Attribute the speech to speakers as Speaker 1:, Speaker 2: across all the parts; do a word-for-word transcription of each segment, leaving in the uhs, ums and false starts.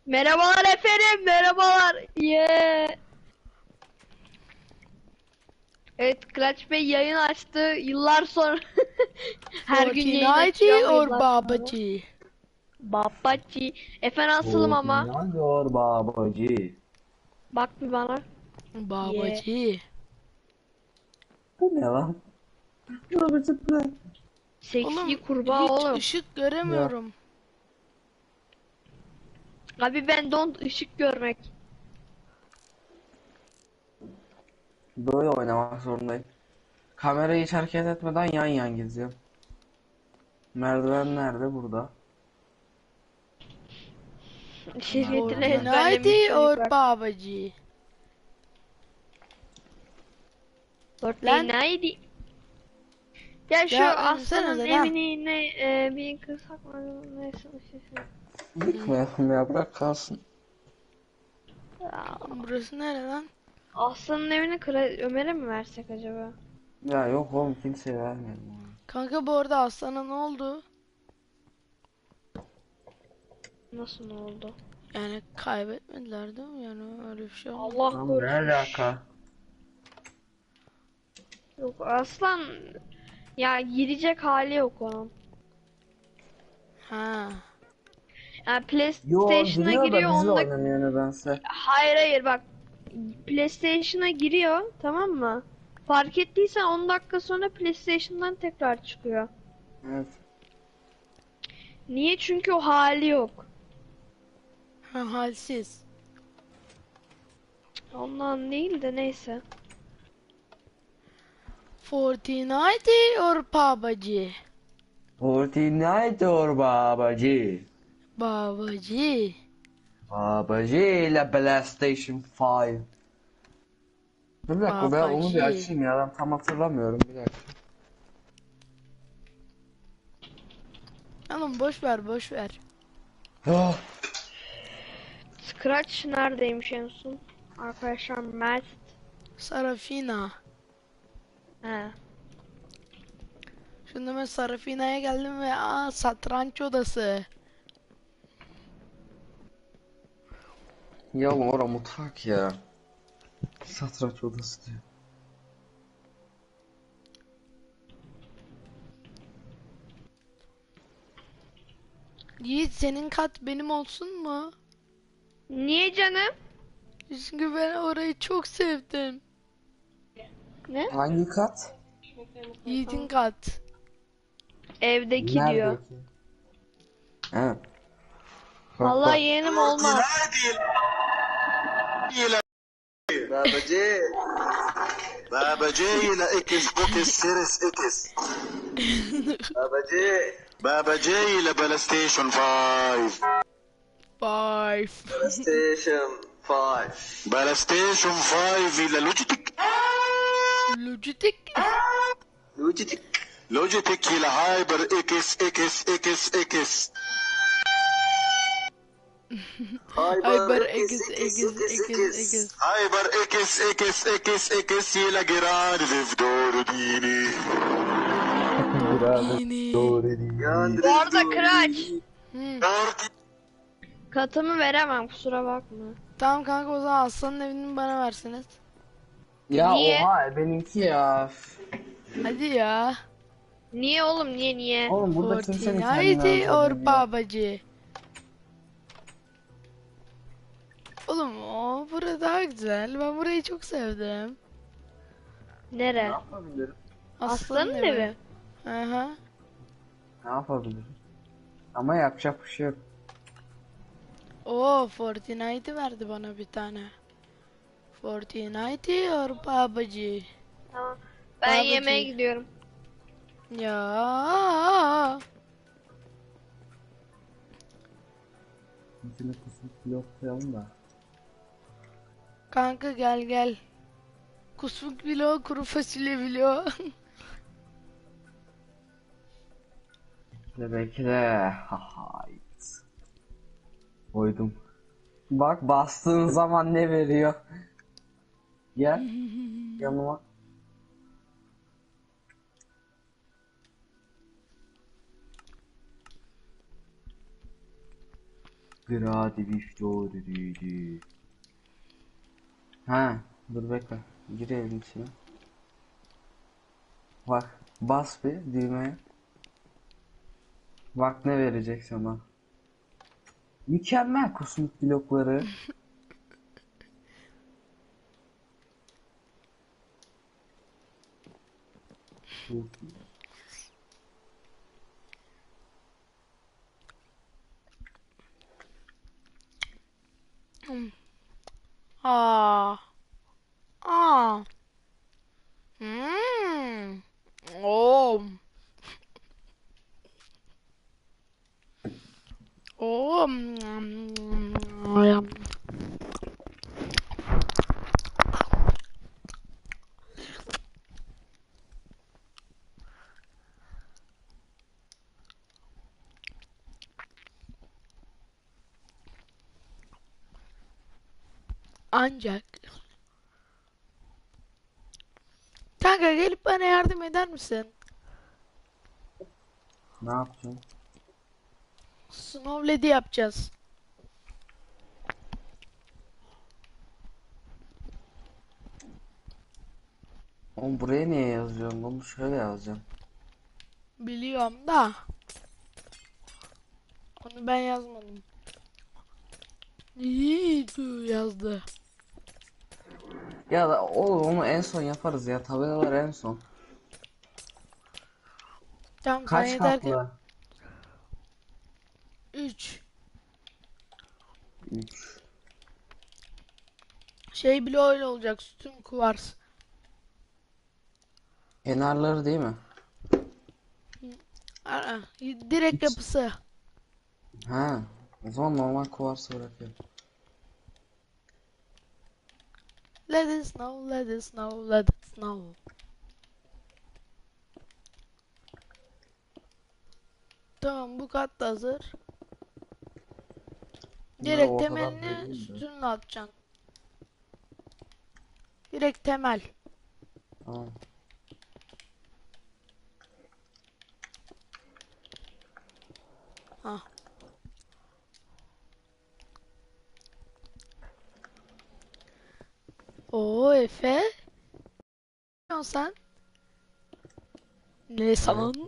Speaker 1: Merhabalar efendim, merhabalar. Yeah. Evet, Clutch Bey yayın açtı. Yıllar sonra. Her gün yayın açıyor
Speaker 2: Fortnite
Speaker 1: ama
Speaker 2: or
Speaker 1: yıllar sonra.
Speaker 2: Babaji?
Speaker 1: Babaçi. Efe nasılım ama?
Speaker 3: Fortnite babacı.
Speaker 1: Bak bir bana. Yeah.
Speaker 2: Babaji.
Speaker 3: Bu ne lan? Babacı ne?
Speaker 1: Seksi
Speaker 2: Oğlum
Speaker 1: kurbağa
Speaker 2: hiç
Speaker 1: oğlum.
Speaker 2: ışık
Speaker 3: Ya.
Speaker 2: göremiyorum.
Speaker 1: Abi ben don't ışık görmek.
Speaker 3: Böyle oynamak zorundayım. Kamerayı hiç hareket etmeden yan yan geziyorum. Merdiven nerede? Burada.
Speaker 1: Şehriyetini
Speaker 3: Merdiven nerede?
Speaker 1: ezberlemiş
Speaker 2: Fortnite or
Speaker 1: çocuklar.
Speaker 2: Babaji? Lan
Speaker 1: Fortnite. Ya şu
Speaker 2: ya
Speaker 1: aslanın
Speaker 2: insenize lan.
Speaker 1: evini ne e, bir kırsak mı neyse şey.
Speaker 3: Yıkmayalım ya, bırak kalsın.
Speaker 1: Ya,
Speaker 2: Burası nere lan?
Speaker 1: Aslanın evini Kra- Ömer'e mi versek acaba?
Speaker 3: Ya yok oğlum, kimseye vermeyelim onu.
Speaker 2: Kanka bu arada aslana ne oldu?
Speaker 1: Nasıl ne oldu?
Speaker 2: Yani kaybetmediler değil mi? Yani öyle bir şey olmadı.
Speaker 1: Allah
Speaker 3: Lan ne
Speaker 1: korusun.
Speaker 3: alaka?
Speaker 1: Yok aslan ya girecek hali yok onun.
Speaker 2: Ha.
Speaker 1: Yani
Speaker 3: Yo,
Speaker 1: PlayStation'a
Speaker 3: giriyor da
Speaker 1: giriyor
Speaker 3: bizi
Speaker 1: onda.
Speaker 3: oynamıyor nedense.
Speaker 1: Hayır hayır bak. PlayStation'a giriyor tamam mı? Fark ettiysen on dakika sonra PlayStation'dan tekrar çıkıyor.
Speaker 3: Evet.
Speaker 1: Niye? Çünkü o hali yok.
Speaker 2: Ha, halsiz.
Speaker 1: Ondan değil de neyse.
Speaker 2: Fortnite or Babaji?
Speaker 3: Fortnite or babacı.
Speaker 2: Babaji.
Speaker 3: Babacı ile PlayStation beş. Dur bir dakika, ben onu bir
Speaker 2: Babaji.
Speaker 3: açayım ya, ben tam hatırlamıyorum, bir dakika.
Speaker 2: Oğlum boş ver boş ver.
Speaker 3: Ah,
Speaker 1: Scratch neredeymiş en son? Arkadaşlar Mert.
Speaker 2: Sarafina.
Speaker 1: He.
Speaker 2: Şimdi ben Sarafina'ya geldim ve aa satranç odası.
Speaker 3: ya oğlum, ora mutfak ya. Satranç odası diyor.
Speaker 2: Yiğit senin kat benim olsun mu?
Speaker 1: Niye canım?
Speaker 2: Çünkü ben orayı çok sevdim.
Speaker 1: Ne?
Speaker 3: Hangi kat?
Speaker 2: Yiğit'in kat.
Speaker 1: Evdeki diyor.
Speaker 3: Nerede ki? He. Bak
Speaker 1: Vallahi
Speaker 3: bak.
Speaker 1: yeğenim olmaz.
Speaker 4: بابا جاي بابا جاي لاكس بوكس سيريس اكس بابا جاي بابا جاي لبلا ستيشن فايف
Speaker 2: Five.
Speaker 4: بلا ستيشن فايف بلا ستيشن فايف الى لوجيتك
Speaker 2: Logitech.
Speaker 4: لوجيتك لوجيتك الى هايبر اكس اكس اكس اكس
Speaker 2: Hyper X X X X.
Speaker 4: هايبر اكس اكس اكس اكس الى جيران في دور ديني
Speaker 2: Yeni.
Speaker 1: Bu arada Kıraç.
Speaker 2: Hmm.
Speaker 1: Katımı veremem kusura bakma.
Speaker 2: Tamam kanka o zaman Aslan'ın evini bana verseniz.
Speaker 3: Ya
Speaker 1: Niye?
Speaker 3: oha, benimki ya.
Speaker 2: Hadi ya.
Speaker 1: Niye oğlum niye niye?
Speaker 3: Oğlum burada kimsenin kendini
Speaker 2: Fortnite or
Speaker 3: öldürdüğünü yok.
Speaker 2: Babaji? Oğlum o burada daha güzel. Ben burayı çok sevdim.
Speaker 3: Ne
Speaker 1: Nere?
Speaker 3: yapabilirim?
Speaker 1: Aslanın evi.
Speaker 2: Aha.
Speaker 3: Ne yapabilirim? Ama yapacak bir şey yok.
Speaker 2: Oo Fortnite verdi bana bir tane. Fortnite or Babaji?
Speaker 1: Tamam. Ben
Speaker 2: Babacı.
Speaker 1: yemeğe gidiyorum.
Speaker 2: Ya.
Speaker 3: Şimdi kusmuk blok koyalım da.
Speaker 2: Kanka gel gel. Kusmuk bilo, kuru fasulye bilo.
Speaker 3: Ve belki de haha. Koydum. Bak, bastığın zaman ne veriyor? Gel yanıma. Gradi Victory. Ha, dur bekle. Gir evin içine. Bak, bas bir düğmeye. Bak ne verecek sana. Mükemmel kosmik blokları.
Speaker 2: Aa. Aa. Hmm. Oo. Oo. Ancak kanka gelip bana yardım eder misin?
Speaker 3: Ne yapacağım?
Speaker 2: Snow Lady yapacağız.
Speaker 3: Oğlum buraya niye yazıyorum? Bunu şöyle yazacağım.
Speaker 2: Biliyorum da onu ben yazmadım. İyi tu yazdı.
Speaker 3: Ya da oğlum onu en son yaparız ya. Tabelalar en son.
Speaker 2: Tamam sen
Speaker 3: Kaç
Speaker 2: yeter ki
Speaker 3: katlı?
Speaker 2: üç
Speaker 3: üç.
Speaker 2: şey bile öyle olacak, sütun kuvars.
Speaker 3: Kenarları değil mi?
Speaker 2: Aa, direkt
Speaker 3: Hiç.
Speaker 2: yapısı.
Speaker 3: Ha. O zaman normal kuvarsı bırakıyorum.
Speaker 2: Let it snow, let it snow, let it snow. Tamam, bu kat da hazır.
Speaker 3: Bunları
Speaker 2: Direkt
Speaker 3: ortadan
Speaker 2: temelini
Speaker 3: böleyim de.
Speaker 2: sütunla atacaksın. Direkt temel.
Speaker 3: Tamam.
Speaker 2: Ha. Oo Efe. Ne yapıyorsun sen? Ne sandın?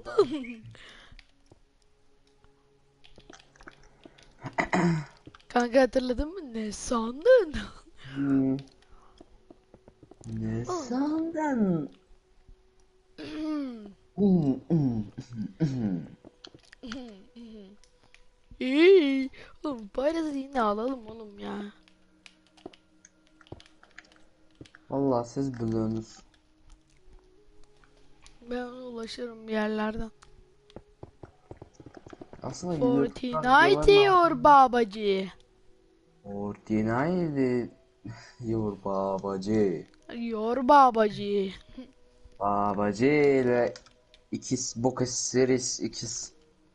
Speaker 2: Kanka hatırladın mı? Ne sandın?
Speaker 3: Hmm. Ne sandın? Hmm, hmm, hmm.
Speaker 2: İyi. Oğlum parası yine alalım oğlum ya.
Speaker 3: Vallahi siz biliyorsunuz.
Speaker 2: Ben ona ulaşırım bir yerlerden.
Speaker 3: Aslında YouTube'dan
Speaker 2: Fortnite
Speaker 3: videoların
Speaker 2: diyor
Speaker 3: altında.
Speaker 2: babacı.
Speaker 3: Fortnite diyor babacı.
Speaker 2: Yor babacı.
Speaker 3: Babacı ile ikiz bok series ikiz.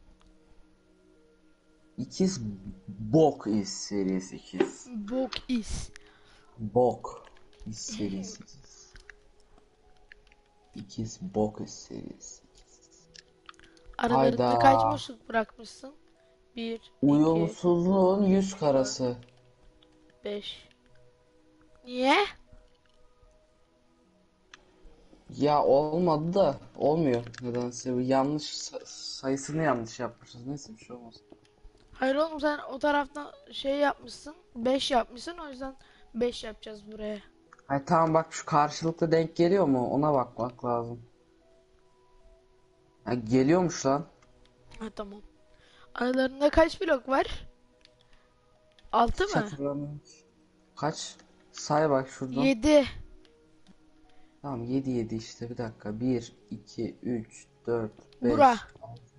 Speaker 3: İkiz bok is series ikiz.
Speaker 2: Bok is.
Speaker 3: Bok is series ikiz. İkiz bok is series.
Speaker 2: Aralarında kaç
Speaker 3: Hayda.
Speaker 2: boşluk bırakmışsın? Bir, iki,
Speaker 3: Uyumsuzluğun yüz
Speaker 2: dört,
Speaker 3: karası.
Speaker 2: beş. Niye?
Speaker 3: Ya olmadı da olmuyor nedense. Bu yanlış sa- sayısını yanlış yapmışız. Neyse bir şey olmaz.
Speaker 2: Hayır oğlum, sen o taraftan şey yapmışsın. Beş yapmışsın, o yüzden beş yapacağız buraya.
Speaker 3: Hayır tamam bak şu karşılıklı denk geliyor mu? Ona bakmak lazım. Ha, geliyormuş lan.
Speaker 2: Ha tamam. Aralarında kaç blok var? Altı
Speaker 3: Hiç
Speaker 2: mı?
Speaker 3: hatırlamıyorum ki. Kaç? Say bak şuradan.
Speaker 2: Yedi.
Speaker 3: Tamam yedi yedi işte bir dakika. bir, iki, üç, dört,
Speaker 2: Bura.
Speaker 3: beş.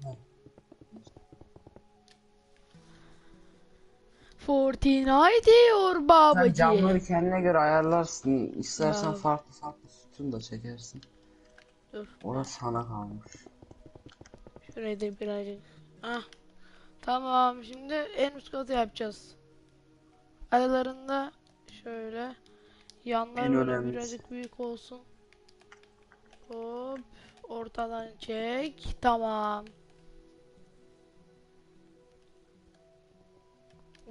Speaker 2: Fortnite diyor
Speaker 3: Sen
Speaker 2: babacı.
Speaker 3: camları kendine göre ayarlarsın. İstersen
Speaker 2: Ya
Speaker 3: farklı farklı sütun da çekersin.
Speaker 2: dur.
Speaker 3: Orası sana kalmış.
Speaker 2: Şurayı da birazcık. Ah. Tamam, şimdi en üst katı yapacağız. Aralarında şöyle. Yanlar
Speaker 3: En
Speaker 2: böyle
Speaker 3: önemlisi.
Speaker 2: birazcık büyük olsun. Hop. Ortadan çek. Tamam.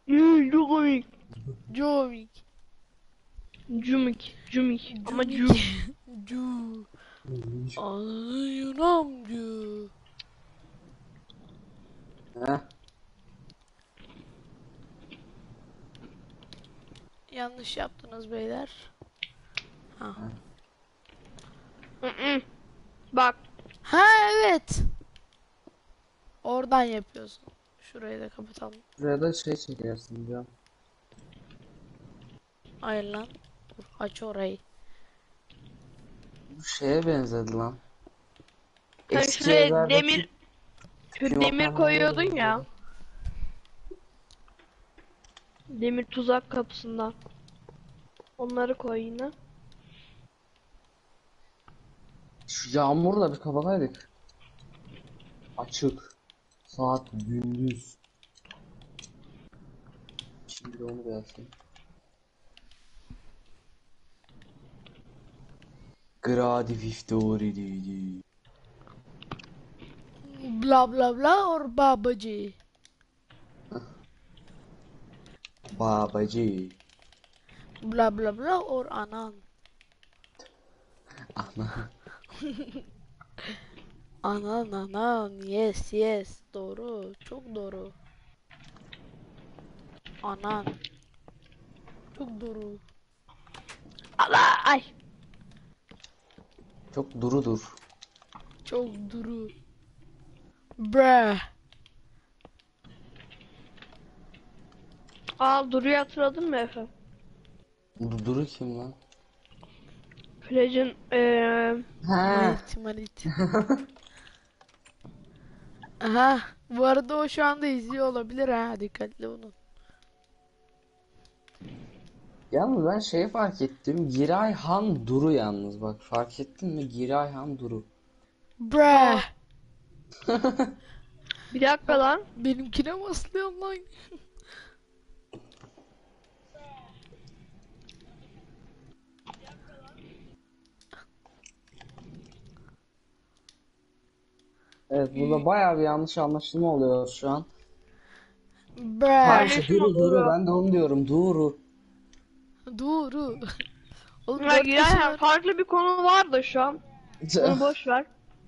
Speaker 1: Hmm, çok komik.
Speaker 2: Comik.
Speaker 1: Cumik. Cumik. Ama cu.
Speaker 2: Cu. Anlıyorum.
Speaker 3: Heh.
Speaker 2: Yanlış yaptınız beyler. Ha.
Speaker 1: Hı hı. Bak.
Speaker 2: Ha evet. Oradan yapıyorsun. Şurayı da kapatalım.
Speaker 3: Şuraya da şey çekersin diyor.
Speaker 2: Hayır lan. Dur, aç orayı.
Speaker 3: Bu şeye benzedi lan.
Speaker 1: Sen
Speaker 3: Eski
Speaker 1: şuraya
Speaker 3: evlerdeki
Speaker 1: demir şu
Speaker 3: tüpü
Speaker 1: demir
Speaker 3: vatandaşlara
Speaker 1: koyuyordun ya.
Speaker 3: benziyordu.
Speaker 1: Demir tuzak kapısından. Onları koy yine.
Speaker 3: Şu yağmurla bir kapataydık. Açık. Saat gündüz. Şimdi de onu da yapayım. Gradi Victory.
Speaker 2: Bla bla bla or babacı.
Speaker 3: Babacı.
Speaker 2: Bla bla bla or anan.
Speaker 3: Ana.
Speaker 2: Anan anan. Yes yes. Doğru. Çok doğru. Anan. Çok doğru.
Speaker 1: Allah ay.
Speaker 3: Çok durudur.
Speaker 2: Çok duru. Bre.
Speaker 1: Aa Duru'yu hatırladın mı Efe?
Speaker 3: Du- Duru kim lan?
Speaker 1: Plage'in eee
Speaker 3: Ha.
Speaker 2: Malit malit. Aha. Bu arada o şu anda izliyor olabilir ha. Dikkatli olun.
Speaker 3: Yalnız ben şeyi fark ettim. Giray Han Duru yalnız bak. Fark ettin mi? Giray Han Duru.
Speaker 2: Bre.
Speaker 1: bir dakika lan.
Speaker 2: Benimkine baslıyorum lan.
Speaker 3: Evet burada bayağı bir yanlış anlaşılma oluyor şu an.
Speaker 2: Bre.
Speaker 3: Karşı Duru
Speaker 1: Duru.
Speaker 3: Duru ben de onu diyorum. Duru.
Speaker 2: Duru. Oğlum
Speaker 1: Ya
Speaker 2: dört
Speaker 1: Giray,
Speaker 2: kişi var.
Speaker 1: farklı bir konu var da şu an. Onu boş ver.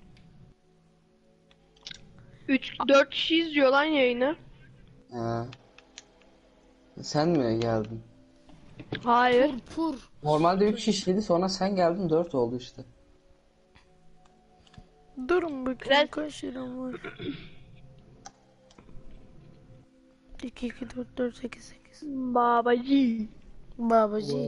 Speaker 1: üç dört kişi izliyor lan yayını.
Speaker 3: Ha. Sen mi geldin?
Speaker 1: Hayır.
Speaker 2: Pur pur.
Speaker 3: Normalde üç kişiydi sonra sen geldin dört oldu işte.
Speaker 2: Durun bakayım
Speaker 1: Biraz-
Speaker 2: kaç liram var. iki iki dört dört sekiz sekiz.
Speaker 1: Babacı.
Speaker 2: Babacı.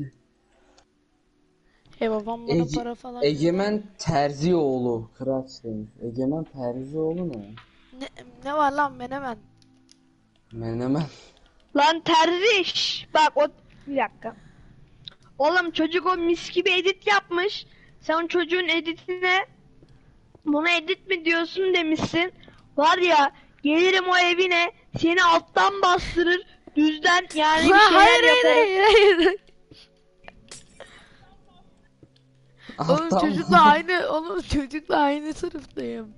Speaker 2: E babam bana
Speaker 3: Ege-
Speaker 2: para falan
Speaker 3: Egemen Terzioğlu. Kıraç demiş. Egemen Terzioğlu ne?
Speaker 2: ne, ne var lan menemen?
Speaker 3: Menemen.
Speaker 1: Lan terziş. Bak o bir dakika. Oğlum çocuk o mis gibi edit yapmış. Sen çocuğun editine buna edit mi diyorsun demişsin. Var ya gelirim o evine seni alttan bastırır. Düzden yani bir
Speaker 2: Ha,
Speaker 1: şeyler
Speaker 2: hayır hayır
Speaker 1: yaparım.
Speaker 2: hayır hayır. Oğlum
Speaker 3: Alttan
Speaker 2: çocukla aynı oğlum çocukla aynı sınıftayım.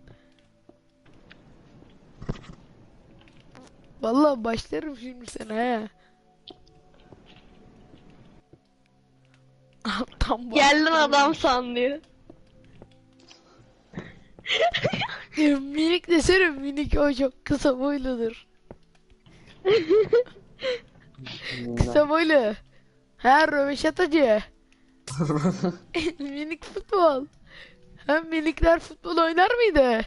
Speaker 2: Vallahi başlarım şimdi sana he. Alttan
Speaker 1: Gel lan
Speaker 2: bastırıyorum.
Speaker 1: adam sanlıyor.
Speaker 2: Ya minik desene minik o çok kısa boyludur. Kısa boylu. Ha röveşatacı. Minik futbol. Hem minikler futbol oynar mıydı?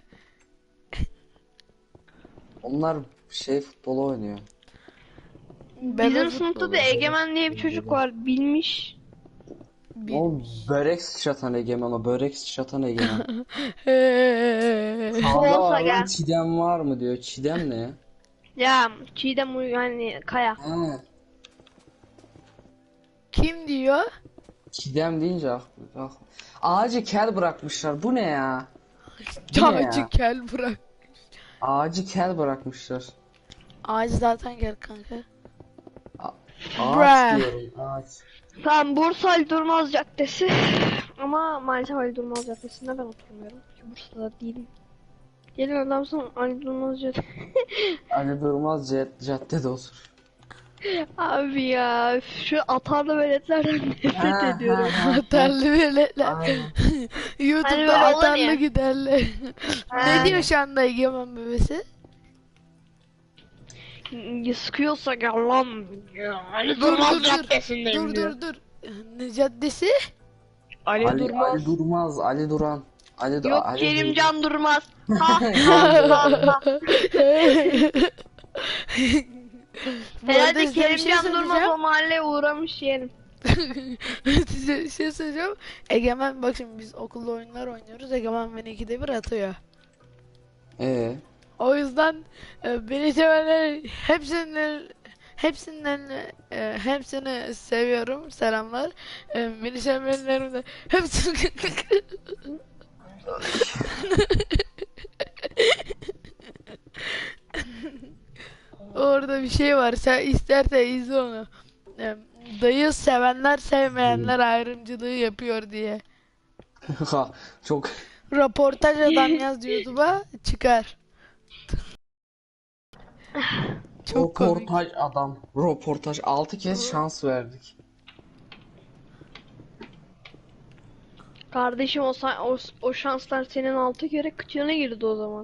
Speaker 3: Onlar şey futbol oynuyor.
Speaker 2: Ben de
Speaker 1: Bizim
Speaker 2: futbol
Speaker 1: sınıfta da
Speaker 2: oynuyorum.
Speaker 1: Egemen diye bir çocuk var bilmiş.
Speaker 2: Bir-
Speaker 3: O börek sıçratan Egemen o börek sıçratan Egemen.
Speaker 2: Eee.
Speaker 3: Kavga
Speaker 1: Olsa
Speaker 3: var lan
Speaker 1: gel.
Speaker 3: Çiğdem var mı diyor. Çiğdem ne ya?
Speaker 1: Ya Çiğdem Uy- yani Kaya.
Speaker 3: Ha,
Speaker 2: Kim diyor?
Speaker 3: Çiğdem deyince aklı, aklı. Ağacı kel bırakmışlar. Bu ne ya? Bu ne
Speaker 2: Ağacı
Speaker 3: ya?
Speaker 2: kel bırak.
Speaker 3: Ağacı kel bırakmışlar.
Speaker 2: Ağacı zaten gel kanka.
Speaker 3: A-
Speaker 2: Bruh.
Speaker 3: ağaç diyorum ağaç.
Speaker 1: Tam Bursa Ali Durmaz Caddesi. Ama maalesef Ali Durmaz Caddesi'nde ben oturmuyorum. Çünkü Bursa'da değilim. Gelin adamsın Ali Durmaz Caddesi.
Speaker 3: Ali Durmaz cad- caddede otur.
Speaker 1: Abi ya üf, şu atarlı veletlerden nefret ediyorum.
Speaker 2: Atarlı veletler.
Speaker 3: Aynen.
Speaker 2: YouTube'da
Speaker 1: Hani böyle olan
Speaker 2: atarlı
Speaker 1: ya.
Speaker 2: giderler. Ne diyor şu anda Egemen bebesi?
Speaker 1: Sıkıyorsa gel lan. Ali
Speaker 2: Dur
Speaker 1: Durmaz
Speaker 2: dur dur.
Speaker 1: Caddesi'ndeyim
Speaker 2: Dur
Speaker 1: diyor.
Speaker 2: dur dur. Ne caddesi?
Speaker 1: Ali,
Speaker 3: Ali,
Speaker 1: Durmaz.
Speaker 3: Ali Durmaz, Ali Duran. Ali,
Speaker 1: Yok
Speaker 3: Ali
Speaker 1: Kerimcan Durmaz. Ha
Speaker 3: Can
Speaker 1: ha ha.
Speaker 2: Bu arada
Speaker 1: Herhalde
Speaker 2: size bir şey
Speaker 1: Kerimcan Durmaz
Speaker 2: söyleyeceğim.
Speaker 1: o mahalleye uğramış yerim.
Speaker 2: Size bir şey söyleyeceğim. Egemen bak şimdi biz okulda oyunlar oynuyoruz. Egemen beni ikide bir atıyor.
Speaker 3: Ee,
Speaker 2: O yüzden e, beni sevenler hepsinin hepsinden e, hepsini seviyorum. Selamlar. E, beni sevenlerin de hepsini Orada bir şey var. Sen istersen izle onu. E, dayı sevenler sevmeyenler ayrımcılığı yapıyor diye.
Speaker 3: ha, çok
Speaker 2: Röportaj adam yaz YouTube'a çıkar. Çok komik.
Speaker 3: röportaj adam. Röportaj altı kez şans verdik.
Speaker 1: Kardeşim o, sa- o, o şanslar senin altı kere kıçına girdi o zaman.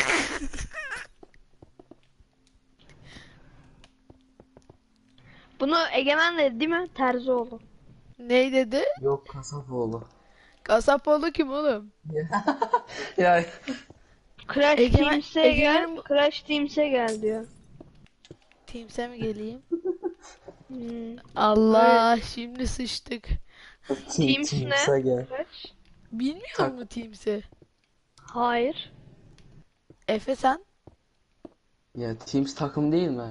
Speaker 1: Bunu Egemen dedi değil mi? Terzioğlu.
Speaker 2: Ney dedi?
Speaker 3: Yok Kasapoğlu.
Speaker 2: Kasapoğlu kim oğlum?
Speaker 3: Ya
Speaker 1: Crash
Speaker 2: Egemen-
Speaker 1: Teams'e gel,
Speaker 2: Egemen-
Speaker 1: Crash Teams'e gel diyor.
Speaker 2: Teams'e mi geleyim?
Speaker 1: Hmm.
Speaker 2: Allah şimdi sıçtık.
Speaker 1: Teams ne?
Speaker 3: Teams'e gel.
Speaker 1: Crash?
Speaker 2: Bilmiyor
Speaker 3: Tak.
Speaker 2: musun Teams'i?
Speaker 1: Hayır.
Speaker 2: Efe sen?
Speaker 3: Ya Teams takım değil mi?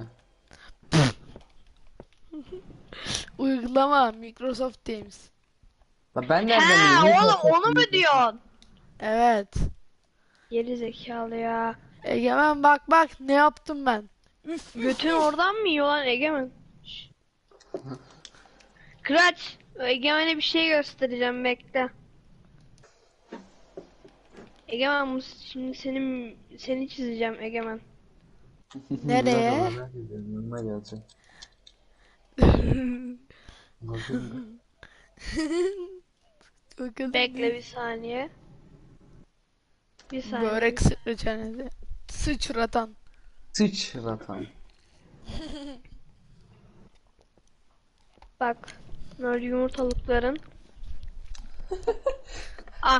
Speaker 2: Uygulama Microsoft Teams.
Speaker 3: La ben nereden
Speaker 1: He
Speaker 3: bileyim?
Speaker 1: oğlum onu mu diyorsun?
Speaker 2: Evet.
Speaker 1: Geri zekalı ya.
Speaker 2: Egemen bak bak ne yaptım ben. Üf.
Speaker 1: Götün oradan mı yiyor lan Egemen? Şşş. Kıraç, Egemen'e bir şey göstereceğim bekle. Egemen bu şimdi senin seni çizeceğim Egemen.
Speaker 2: Nereye?
Speaker 3: Merak ediyorum, yanına geleceğim. Bakın.
Speaker 2: Bakalım.
Speaker 1: Bekle bir saniye. Bir saniye.
Speaker 2: Börek sıçratanı. Sıçratan.
Speaker 3: Sıçratan.
Speaker 1: Bak. Bunlar yumurtalıkların. Ah.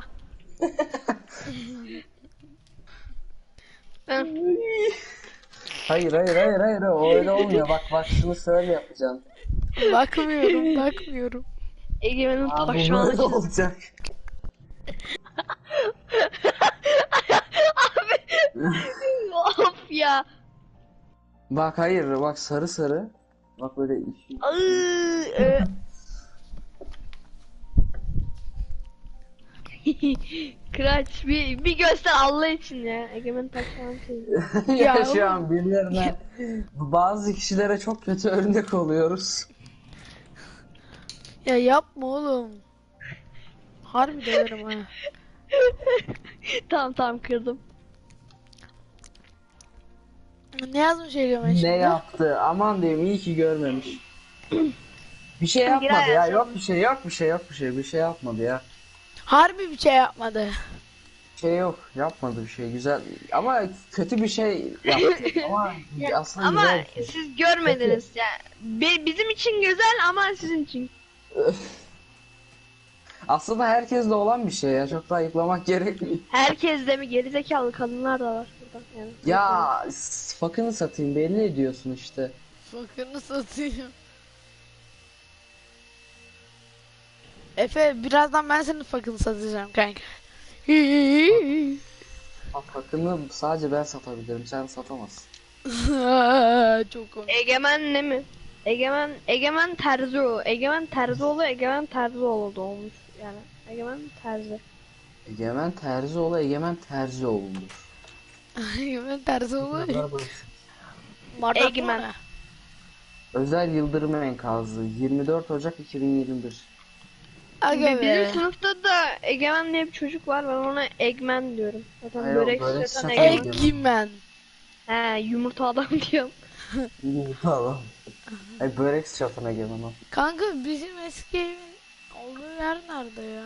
Speaker 1: Ben
Speaker 3: Hayır hayır hayır hayır o öyle olmuyor. Bak bak şunu şöyle yapacaksın.
Speaker 2: Bakmıyorum bakmıyorum.
Speaker 1: Egemen'in
Speaker 3: Aa, bu
Speaker 1: taşağını
Speaker 3: böyle
Speaker 1: çizdim.
Speaker 3: olacak.
Speaker 1: Of ya.
Speaker 3: Bak hayır bak sarı sarı. Bak böyle işi.
Speaker 1: Iıı, e. Kıraç bir, bir göster Allah için ya. Egemen taşağını çizdim.
Speaker 3: ya
Speaker 2: Ya
Speaker 3: şu an birilerine bazı kişilere çok kötü örnek oluyoruz.
Speaker 2: Ya yapma oğlum. Harbi döverim ha.
Speaker 1: Tamam tamam kırdım.
Speaker 2: Ne yazmış Egemen şimdi?
Speaker 3: Ne yaptı? Aman diyeyim iyi ki görmemiş. Bir şey
Speaker 1: Girer
Speaker 3: yapmadı ya.
Speaker 1: yazalım.
Speaker 3: Yok bir şey yok bir şey yok bir şey. Bir şey yapmadı ya.
Speaker 2: Harbi bir şey yapmadı.
Speaker 3: Bir şey yok. Yapmadı bir şey. Güzel. Ama kötü bir şey yaptı. Ama aslında
Speaker 1: Ama
Speaker 3: güzel bir şey.
Speaker 1: siz görmediniz ya. Bi- bizim için güzel ama sizin için.
Speaker 3: Aslında herkeste olan bir şey ya. Çok da ayıplamak gerekmiyor.
Speaker 1: Herkes de mi gerizekalı kadınlar da var burada. Yani.
Speaker 3: Ya s- fakını satayım belli ediyorsun işte.
Speaker 2: Fakırını satayım. Efe birazdan ben senin fakını satacağım kanka.
Speaker 3: Bak fakını sadece ben satabilirim. Sen satamazsın.
Speaker 2: Çok komik.
Speaker 1: Egemen ne mi? Egemen Egemen Terzioğlu. Egemen Terzioğlu Egemen Terzioğlu doğmuş yani. Egemen Terzi.
Speaker 3: Egemen Terzioğlu Egemen Terzioğlu'dur.
Speaker 2: Egemen tersi olur.
Speaker 3: Bunlar bu.
Speaker 1: Egemen.
Speaker 3: Özel Yıldırım Enkazı yirmi dört Ocak iki bin yirmi bir.
Speaker 2: Aga
Speaker 1: Bi-
Speaker 2: be.
Speaker 1: Bizim sınıfta da Egemen diye bir çocuk var. Ben ona Egmen diyorum. Zaten
Speaker 3: Hayır,
Speaker 1: börek
Speaker 3: börek
Speaker 1: satan
Speaker 3: satan
Speaker 1: Egemen.
Speaker 3: Egemen.
Speaker 2: Egemen.
Speaker 1: He yumurta adam diyorum.
Speaker 3: Tamam. Ay börek çapına gelin o.
Speaker 2: Kanka bizim eski evin olduğu yer nerede ya?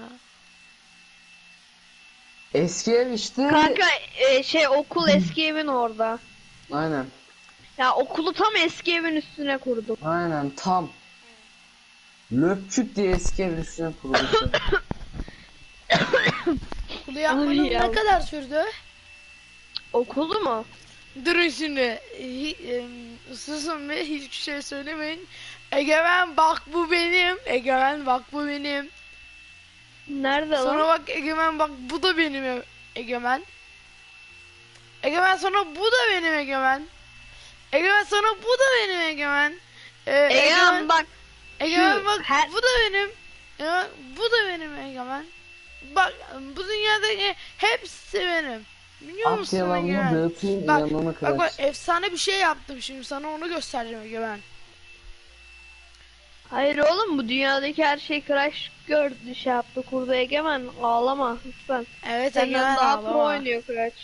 Speaker 3: Eski ev işte.
Speaker 1: Kanka e, şey okul eski evin orada.
Speaker 3: Aynen.
Speaker 1: Ya okulu tam eski evin üstüne kurduk.
Speaker 3: Aynen tam. Löpçük diye eski evin üstüne kurulmuş.
Speaker 2: Bunu yapmanız
Speaker 1: ya.
Speaker 2: ne kadar sürdü?
Speaker 1: Okulu mu?
Speaker 2: Durun şimdi. Hi, em, susun ve hiçbir şey söylemeyin. Egemen bak bu benim. Egemen bak bu benim.
Speaker 1: Nerede
Speaker 2: Sonra
Speaker 1: lan?
Speaker 2: bak Egemen bak bu da benim e- Egemen. Egemen sonra bu da benim Egemen. Egemen sonra bu da benim Egemen. Ee,
Speaker 1: Egemen bak.
Speaker 2: Egemen
Speaker 1: şu
Speaker 2: bak
Speaker 1: her-
Speaker 2: bu da benim. Egemen, bu da benim Egemen. Bak bu dünyadaki hepsi benim. Biliyor
Speaker 3: At
Speaker 2: musun
Speaker 3: yalanını
Speaker 2: Egemen?
Speaker 3: dağıtayım
Speaker 2: Bak,
Speaker 3: inanını
Speaker 2: bak bak
Speaker 3: kıraç.
Speaker 2: efsane bir şey yaptım şimdi sana onu göstereceğim Egemen.
Speaker 1: Hayır oğlum bu dünyadaki her şey Crash gördü şey yaptı kurdu Egemen ağlama lütfen.
Speaker 2: Evet
Speaker 1: Senden
Speaker 2: Egemen
Speaker 1: daha
Speaker 2: ağlama.
Speaker 1: pro oynuyor Crash.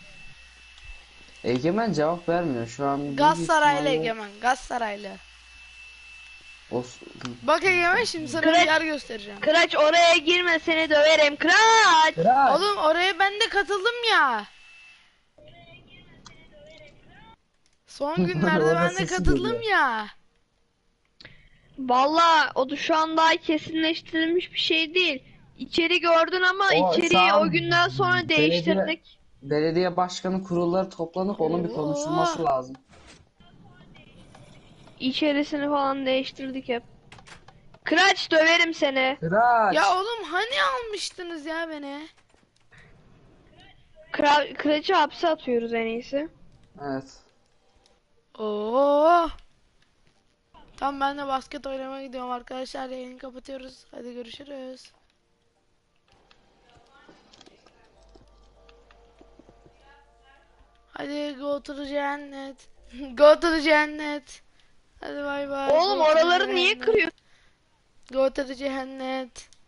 Speaker 3: Egemen cevap vermiyor şu an. büyük
Speaker 2: Galatasaraylı
Speaker 3: ihtimalle
Speaker 2: Egemen Galatasaraylı.
Speaker 3: O...
Speaker 2: Bak Egemen şimdi sana bir
Speaker 1: Kıraç-
Speaker 2: yer göstereceğim.
Speaker 1: Crash oraya girme seni döverim Crash.
Speaker 3: Kıraç.
Speaker 2: Oğlum oraya ben de katıldım ya. Son günlerde
Speaker 3: Orada
Speaker 2: ben de
Speaker 3: sesi
Speaker 2: katıldım
Speaker 3: geliyor.
Speaker 2: ya.
Speaker 1: Valla o da şu an daha kesinleştirilmiş bir şey değil. İçeri gördün ama
Speaker 3: O
Speaker 1: içeriği
Speaker 3: sağ-
Speaker 1: o günden sonra
Speaker 3: belediye-
Speaker 1: değiştirdik.
Speaker 3: Belediye başkanı kurulları toplanıp onun bir konuşulması
Speaker 2: Oo.
Speaker 3: lazım.
Speaker 1: İçerisini falan değiştirdik hep. Crash döverim seni.
Speaker 3: Kıraç.
Speaker 2: Ya oğlum hani almıştınız ya beni?
Speaker 1: Kra Crash'ı hapse atıyoruz en iyisi.
Speaker 3: Evet.
Speaker 2: Oo. Tamam ben de basket oynamaya gidiyorum arkadaşlar. Yayını kapatıyoruz. Hadi görüşürüz. Hadi go to the cennet. Go to the cennet. Hadi bay bay.
Speaker 1: Oğlum
Speaker 2: Go to the
Speaker 1: oraları niye
Speaker 2: cennet.
Speaker 1: kırıyorsun?
Speaker 2: Go to the cennet.